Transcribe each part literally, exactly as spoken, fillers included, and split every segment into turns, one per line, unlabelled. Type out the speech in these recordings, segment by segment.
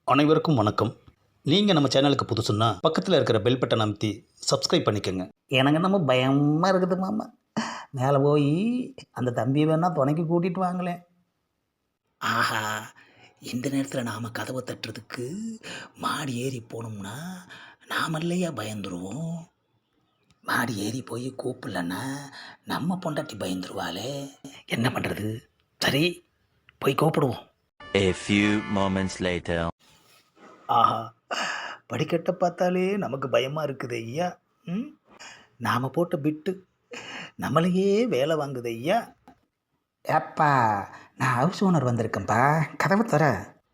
அனைவருக்கும் வணக்கம். நீங்கள் நம்ம சேனலுக்கு புதுசுன்னா பக்கத்தில் இருக்கிற பெல் பட்டன் அமைத்தி சப்ஸ்கிரைப் பண்ணிக்கோங்க.
எனக்கு நம்ம பயமாக இருக்குது மாமா. மேலே போய் அந்த தம்பியை வேணா துணைக்கு கூட்டிகிட்டு வாங்களேன். ஆஹா, இந்த நேரத்தில் நாம் கதவை தட்டுறதுக்கு மாடி ஏறி போனோம்னா நாம் இல்லையா பயந்துருவோம். மாடி ஏறி போய் கூப்பிடலன்னா நம்ம பொண்டாட்டி பயந்துருவாளே. என்ன பண்ணுறது? சரி, போய் கூப்பிடுவோம்.
A few moments later.
ஆஹா, படிக்கட்டை பார்த்தாலே நமக்கு பயமாக இருக்குது ஐயா. ம் நாம் போட்ட பிட்டு நம்மளையே வேலை வாங்குது ஐயா. ஏப்பா, நான் ஹவுஸ் ஓனர் வந்திருக்கேன்ப்பா, கதவை தர.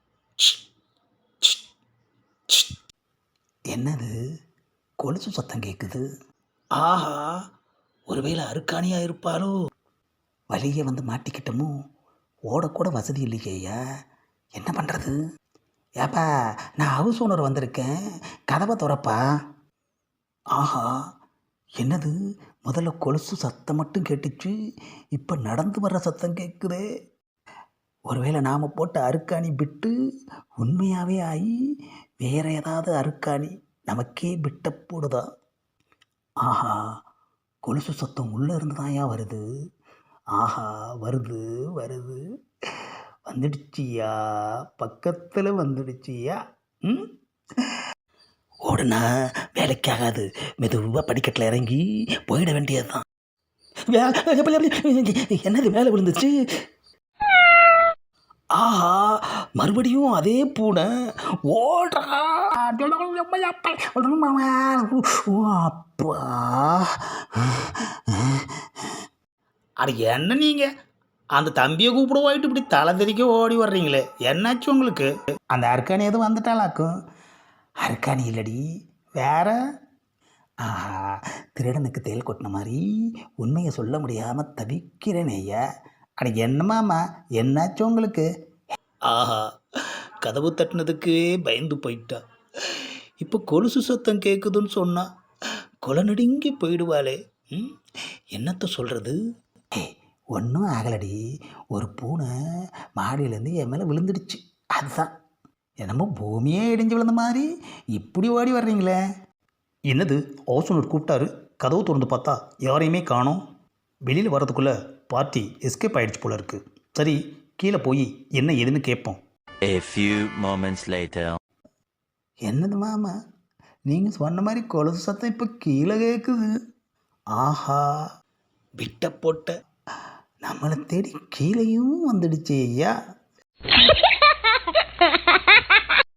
என்னது கொலுசு சத்தம் கேட்குது? ஆஹா, ஒருவேளை அருக்காணியாக இருப்பாரோ? வழியே வந்து மாட்டிக்கிட்டோமோ? ஓடக்கூட வசதி இல்லையே ஐயா, என்ன பண்ணுறது? ஏப்பா, நான் ஹவுஸ் ஓனர் வந்திருக்கேன், கதவை திறப்பா. ஆஹா, என்னது முதல்ல கொலுசு சத்தம் மட்டும் கேட்டுச்சு, இப்போ நடந்து வர்ற சத்தம் கேட்குதே. ஒருவேளை நாம் போட்ட அருக்காணி பிட்டு உண்மையாகவே ஆகி வேற ஏதாவது அருக்காணி நமக்கே பிட்ட போடுதா? ஆஹா, கொலுசு சத்தம் உள்ளே இருந்து தான்யா வருது. ஆஹா, வருது வருது வந்துடுச்சியா, பக்கத்தில் வந்துடுச்சியா. ம் ஓடுனா வேலைக்காகாது, மெதுவாக படிக்கட்டில் இறங்கி போயிட வேண்டியது தான். என்னது மேலே விழுந்துச்சு? ஆஹா, மறுபடியும் அதே பூனை ஓடுறா. அப்பா, அட என்ன நீங்கள் அந்த தம்பியை கூப்பிட போயிட்டு இப்படி தலை தெறிக்க ஓடி வர்றீங்களே, என்னாச்சு உங்களுக்கு? அந்த அர்க்காணி எதுவும் வந்துட்டாளாக்கும். அர்க்காணி இல்லடி, வேற. ஆஹா, திருடனுக்கு தேல் கொட்டின மாதிரி உண்மையை சொல்ல முடியாமல் தவிக்கிறேனே ஐயா. அட என்னமாம்மா, என்னாச்சு உங்களுக்கு? ஆஹா, கதவு தட்டினதுக்கு பயந்து போயிட்டா. இப்போ கொலுசு சத்தம் கேட்குதுன்னு சொன்னா கொலை நடுங்கி போயிடுவாளே. ம் என்னத்த சொல்கிறது? ஒன்றும் ஆகலடி, ஒரு பூனை மாடியிலேருந்து என் மேலே விழுந்துடுச்சு, அதுதான். என்னமோ பூமியே இடிஞ்சு விழுந்த மாதிரி இப்படி ஓடி வர்றீங்களே.
என்னது, ஹவுஸ் ஓனர் கூப்பிட்டாரு, கதவு திறந்து பார்த்தா யாரையுமே காணோம். வெளியில் வரதுக்குள்ளே பார்ட்டி எஸ்கேப் ஆகிடுச்சு போல இருக்குது. சரி, கீழே போய் என்ன ஏதுன்னு கேட்போம்.
A few moments later.
என்னது மாமா, நீங்கள் சொன்ன மாதிரி கொலுசு சத்தம் இப்போ கீழே கேட்குது. ஆஹா, விட்ட போட்ட நம்மளை தேடி கீழேயும் வந்துடுச்சு ஐயா.